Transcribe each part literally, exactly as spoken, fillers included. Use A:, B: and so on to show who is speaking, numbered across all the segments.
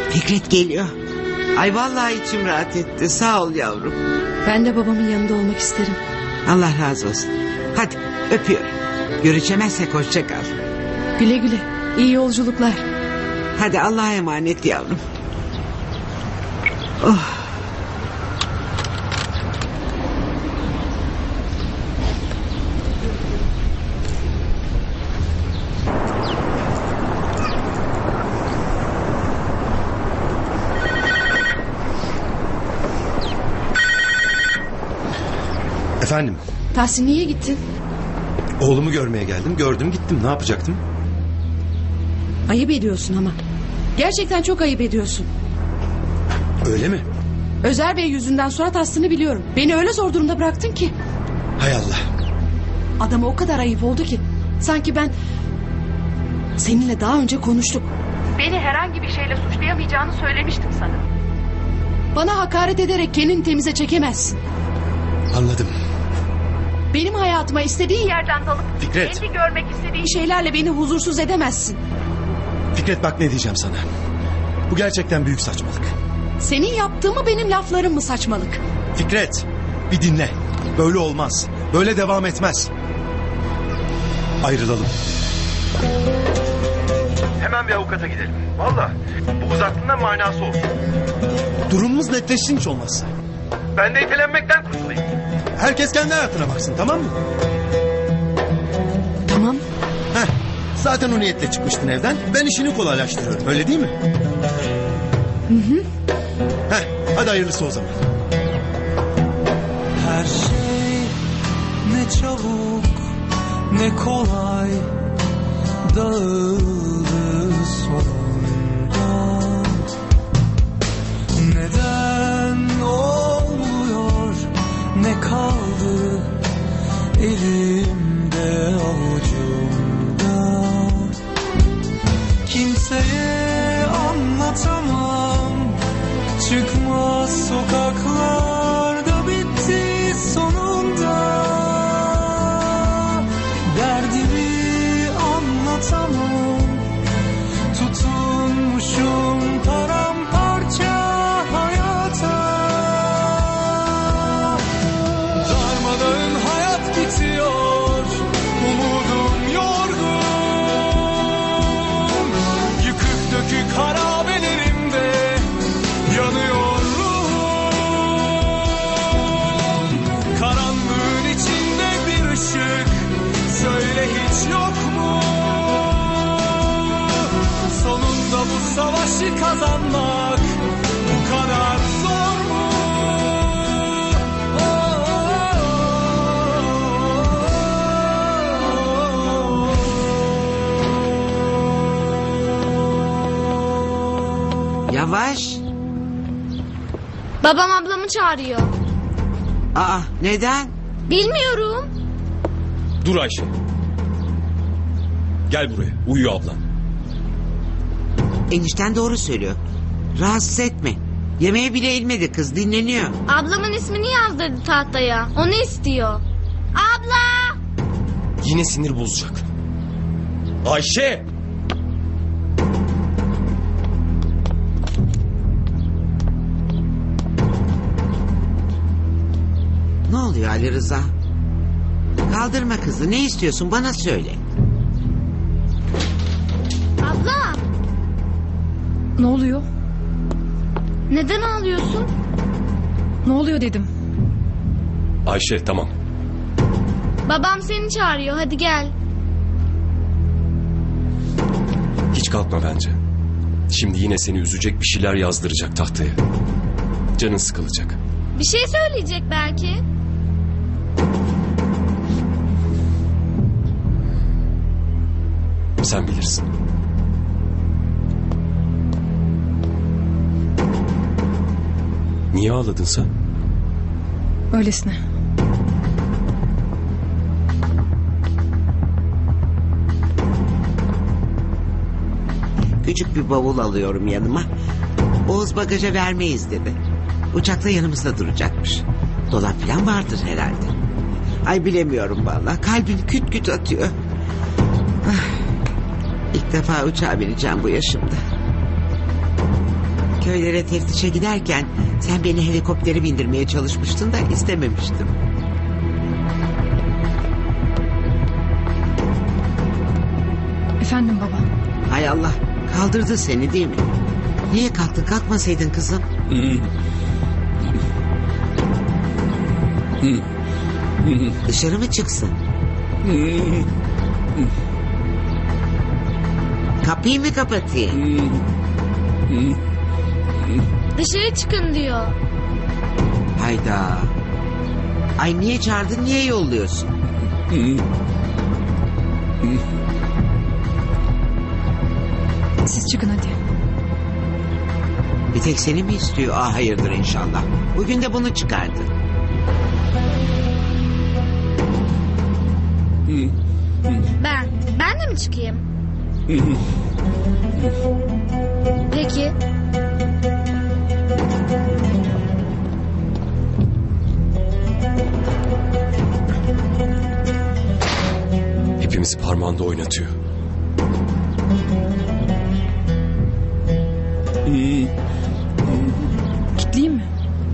A: Fikret geliyor. Ay vallahi içim rahat etti. Sağ ol yavrum.
B: Ben de babamın yanında olmak isterim.
A: Allah razı olsun. Hadi öpüyorum. Görüşemezsek hoşça kal.
B: Güle güle. İyi yolculuklar.
A: Hadi Allah'a emanet yavrum. Oh.
C: Efendim,
B: Tahsin niye gittin?
C: oğlumu görmeye geldim. Gördüm gittim. Ne yapacaktım?
B: Ayıp ediyorsun ama. Gerçekten çok ayıp ediyorsun.
C: Öyle mi?
B: Özer Bey yüzünden surat astığını biliyorum. Beni öyle zor durumda bıraktın ki.
C: Hay Allah.
B: Adama o kadar ayıp oldu ki. Sanki ben... Seninle daha önce konuştuk. Beni herhangi bir şeyle suçlayamayacağını söylemiştim sana. Bana hakaret ederek kendini temize çekemezsin.
C: Anladım.
B: Benim hayatıma istediğin yerden dalıp...
C: Fikret.
B: Kendi görmek istediğin şeylerle beni huzursuz edemezsin.
C: Fikret bak ne diyeceğim sana. Bu gerçekten büyük saçmalık.
B: Senin yaptığın mı benim laflarım mı saçmalık?
C: Fikret, bir dinle. Böyle olmaz. Böyle devam etmez. Ayrılalım.
D: Hemen bir avukata gidelim. Valla bu uzattığında manası olsun.
C: Durumumuz netleşsin hiç olmazsa.
D: Ben de itelenmekten kurtulayım.
C: Herkes kendi hayatına baksın, tamam mı?
B: Tamam.
C: Heh, zaten o niyetle çıkmıştın evden. Ben işini kolaylaştırıyorum, öyle değil mi?
B: Hı hı.
C: Heh, hadi hayırlısı o zaman.
E: Her şey ne çabuk ne kolay dağıldı sonunda. Neden olmuyor ne kaldı elimde avucumda. Kimseye anlatamam, çıkmaz sokaklarda bitti sonunda. Derdimi anlatamam, tutunmuşum paramparça hayata. Darmadağın hayat bitiyor, umudum yorgun. Yıkık dökük harabelerimde yanıyor ruhum. Karanlığın içinde bir ışık, söyle hiç yok mu? Sonunda bu savaşı kazanmak bu kadar zor mu?
A: Yavaş.
F: Babam ablamı çağırıyor.
A: Aa neden?
F: Bilmiyorum.
G: Dur Ayşe. Gel buraya. Uyuyor ablan.
A: Enişten doğru söylüyor. Rahatsız etme. Yemeğe bile inmedi kız, dinleniyor.
F: Ablamın ismini yazdırdı tahtaya. Onu istiyor. Abla!
G: Yine sinir bozacak. Ayşe!
A: Ne oluyor Ali Rıza? Kaldırma kızı, ne istiyorsun bana söyle.
F: Abla!
B: Ne oluyor?
F: Neden ağlıyorsun?
B: Ne oluyor dedim.
G: Ayşe tamam.
F: Babam seni çağırıyor. Hadi gel.
G: Hiç kalkma bence. Şimdi yine seni üzecek bir şeyler yazdıracak tahtaya. Canın sıkılacak.
F: Bir şey söyleyecek belki.
G: Sen bilirsin. Niye ağladın sen?
B: Öylesine.
A: Küçük bir bavul alıyorum yanıma. Oğuz bagaja vermeyiz dedi. Uçakta yanımızda duracakmış. Dolap falan vardır herhalde. Ay bilemiyorum vallahi. Kalbim küt küt atıyor. Ah, İlk defa uçağa bineceğim bu yaşımda. köylere teftişe giderken sen beni helikoptere bindirmeye çalışmıştın da istememiştim.
B: Efendim baba.
A: Hay Allah, kaldırdı seni değil mi? Niye kalktın? Kalkmasaydın kızım. Dışarı mı çıksın? Kapıyı mı kapatayım?
F: Dışarı çıkın diyor.
A: Hayda. Ay niye çağırdın, niye yolluyorsun?
B: Siz çıkın hadi.
A: Bir tek seni mi istiyor? Ah hayırdır inşallah. Bugün de bunu çıkardı.
F: Ben. Ben de mi çıkayım? Peki.
G: Hepimizi parmağında oynatıyor.
B: Kitleyeyim mi?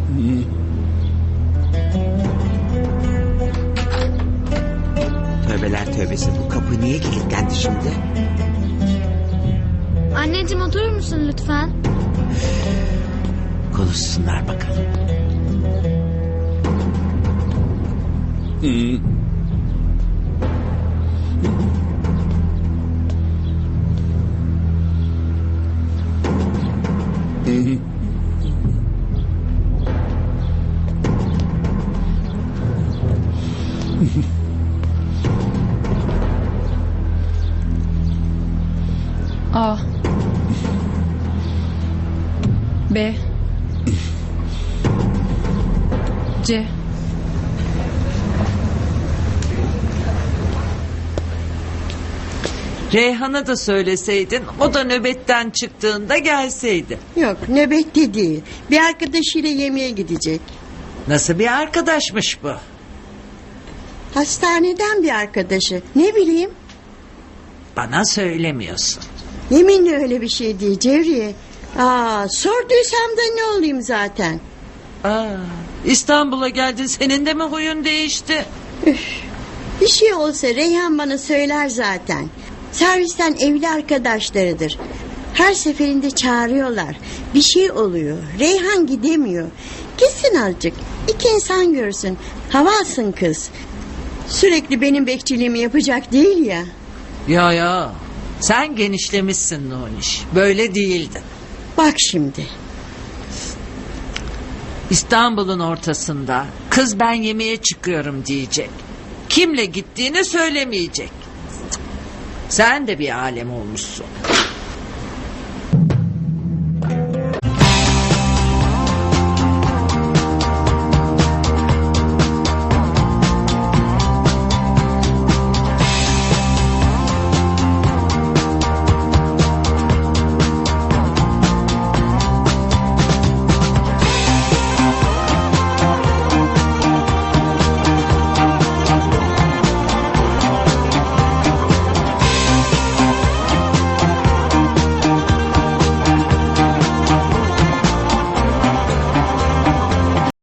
A: Tövbeler tövbesi, bu kapı niye kilitlendi şimdi?
F: Anneciğim oturur musun lütfen?
A: Konuşsunlar bakalım.
B: A. B. C.
H: Reyhan'a da söyleseydin, o da nöbetten çıktığında gelseydi.
I: Yok, nöbette değil. Bir arkadaşıyla yemeğe gidecek.
H: Nasıl bir arkadaşmış bu?
I: Hastaneden bir arkadaşı. Ne bileyim.
H: Bana söylemiyorsun.
I: Yeminle öyle bir şey değil Cevriye. Aa, sorduysam da ne olayım zaten.
H: Aa, İstanbul'a geldin, senin de mi huyun değişti?
I: Bir şey olsa Reyhan bana söyler zaten. Servisten evli arkadaşlarıdır. Her seferinde çağırıyorlar. Bir şey oluyor. Reyhan gidemiyor. Gitsin azıcık. İki insan görsün. Hava alsın kız. Sürekli benim bekçiliğimi yapacak değil ya.
H: Ya ya, sen genişlemişsin Nuniş. Böyle değildin.
I: Bak şimdi.
H: İstanbul'un ortasında kız ben yemeğe çıkıyorum diyecek. Kimle gittiğini söylemeyecek. Cık, sen de bir alem olmuşsun.